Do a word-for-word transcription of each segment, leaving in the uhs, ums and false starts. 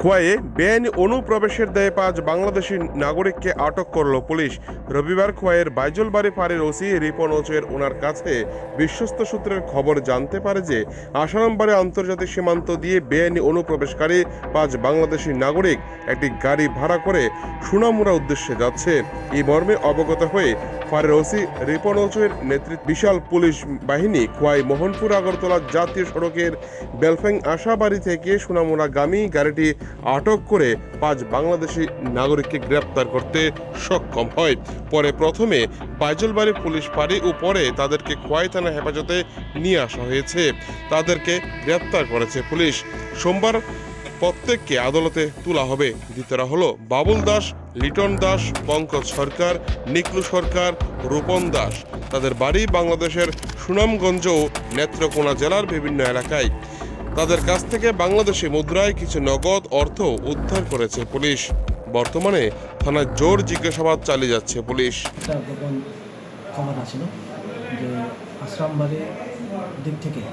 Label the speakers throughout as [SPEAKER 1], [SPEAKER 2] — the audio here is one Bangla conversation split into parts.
[SPEAKER 1] খোয়াইয়ে বেআইনি অনুপ্রবেশের দায়ে পাঁচ বাংলাদেশি নাগরিককে আটক করল পুলিশ। রবিবার খোয়াইয়ের বাইজলবাড়ি ফাঁড়ির ওসি রিপন ওচের ওনার কাছে বিশ্বস্ত সূত্রের খবর জানতে পারে যে আসারামবাড়ি আন্তর্জাতিক সীমান্ত দিয়ে বেআইনি অনুপ্রবেশকারী পাঁচ বাংলাদেশি নাগরিক একটি গাড়ি ভাড়া করে সুনামুড়া উদ্দেশ্যে যাচ্ছে। এই মর্মে অবগত হয়ে ফাঁড়ির ওসি রিপন ওচের নেতৃত্বে বিশাল পুলিশ বাহিনী খোয়াই মোহনপুর আগরতলা জাতীয় সড়কের বেলফ্যাং আশাবাড়ি থেকে সুনামুড়াগামী গাড়িটি আটক করে পাঁচ বাংলাদেশি নাগরিককে গ্রেপ্তার করতে সক্ষম হয়। পরে প্রথমে বাইজলবাড়ি পুলিশ ফাঁড়ি ও পরে তাদেরকে খোয়াই থানা হেফাজতে নিয়ে আসা হয়েছে। তাদেরকে গ্রেপ্তার করেছে পুলিশ। সোমবার প্রত্যেককে আদালতে তোলা হবে। ধৃতরা হলো বাবুল দাস, লিটন দাস, পঙ্কজ সরকার, নিকলু সরকার, রূপন দাস। তাদের বাড়ি বাংলাদেশের সুনামগঞ্জ ও নেত্রকোনা জেলার বিভিন্ন এলাকায়। তাদের কাছ থেকে বাংলাদেশি মুদ্রায় কিছু নগদ অর্থ উদ্ধার করেছে পুলিশ। বর্তমানে থানায় জোর জিজ্ঞাসাবাদ চালিয়ে যাচ্ছে পুলিশ।
[SPEAKER 2] একটা গোপন খবর আছিল যে আশ্রামবাড়ির দিক থেকে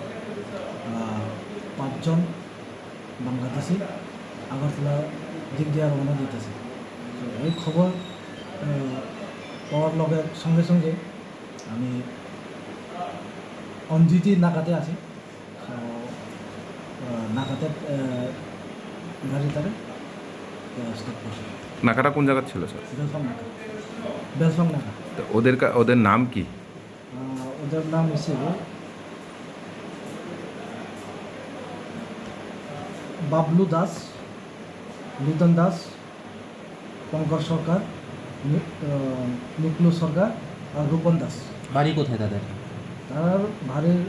[SPEAKER 2] পাঁচজন বাংলাদেশি আগরতলা দিক দিয়ে রওনা দিতেছে। তো এই খবর পাওয়ার লগের সঙ্গে সঙ্গে আমি অঞ্জিতি নাকাতে আছি। নাকাতে গাড়ি তারে স্টপ করছে।
[SPEAKER 3] নাকাটা কোন জায়গা ছিল স্যার?
[SPEAKER 2] বেলফং নাকা, বেলফং নাকা।
[SPEAKER 3] তো ওদের কা- ওদের নাম কি?
[SPEAKER 2] ওদের নাম হিসেবে বাবলু দাস, লিটন দাস, পঙ্কজ সরকার, নিকলু সরকার আর রূপন দাস।
[SPEAKER 4] বাড়ি কোথায় তাদের?
[SPEAKER 2] তার বাড়ির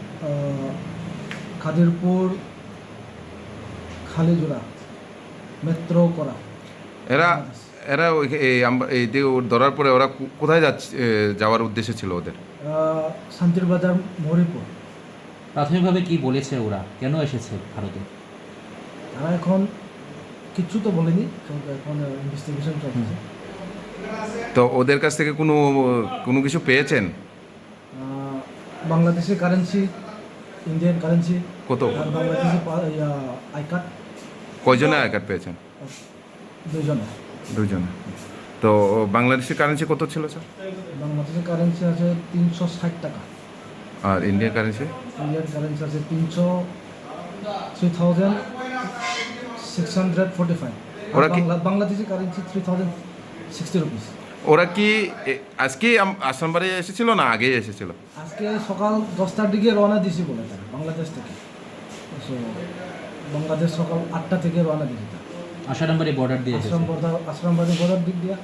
[SPEAKER 2] খাদিরপুর খালিজোড়া মেট্রো করা।
[SPEAKER 3] এরা এরা ওই- এই আম- এই যে ওর ধরার পরে ওরা কো- কোথায় যাচ্ছে এ, যাওয়ার উদ্দেশ্য ছিল ওদের?
[SPEAKER 2] শান্তির বাজার মরিপুর।
[SPEAKER 4] প্রাথমিকভাবে কি বলেছে ওরা, কেন এসেছে ভারতে?
[SPEAKER 2] তারা এখন কিচ্ছু তো বলেনি, তো এখন ইনভেস্টিগেশন চলছে।
[SPEAKER 3] তো ওদের কাছ থেকে কোনো কোনো কিছু পেয়েছেন?
[SPEAKER 2] আহ, বাংলাদেশের কারেন্সি, ইন্ডিয়ান কারেন্সি
[SPEAKER 3] কত?
[SPEAKER 2] আর বাংলাদেশি আই কার্ড
[SPEAKER 3] কয়জনে আই কার্ড পেয়েছেন?
[SPEAKER 2] দুজন।
[SPEAKER 3] দুজনে। তো বাংলাদেশের কারেন্সি কত ছিল স্যার?
[SPEAKER 2] বাংলাদেশের কারেন্সি আছে তিনশো ষাট টাকা,
[SPEAKER 3] আর ইন্ডিয়ান কারেন্সি?
[SPEAKER 2] ইন্ডিয়ান কারেন্সি আছে তিনশো three thousand six hundred forty five.
[SPEAKER 3] ওরা কি-
[SPEAKER 2] Bangladeshi currency three thousand sixty rupees.
[SPEAKER 3] ওরা কি এ- আজকেই আম- আসামবাড়ি এসেছিল না আগেই এসেছিল?
[SPEAKER 2] আজকে সকাল দশটার দিকে রওনা দিয়েছি বলে তারা বাংলাদেশ থেকে। So, বাংলাদেশ সকাল আটটা থেকে রওনা দিয়েছি তারা
[SPEAKER 4] আসারামবাড়ি বর্ডার দিয়ে এসেছে।
[SPEAKER 2] আশ্রম বর্ডার আশ্রমবাড়ি বর্ডার দিক দিয়ে।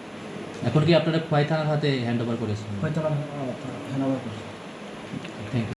[SPEAKER 4] এখন কি আপনারা খোয়াই থানার হাতে হ্যান্ড ওভার করেছেন?
[SPEAKER 2] হয়তো না হেনাবার করছে।
[SPEAKER 4] Thank you.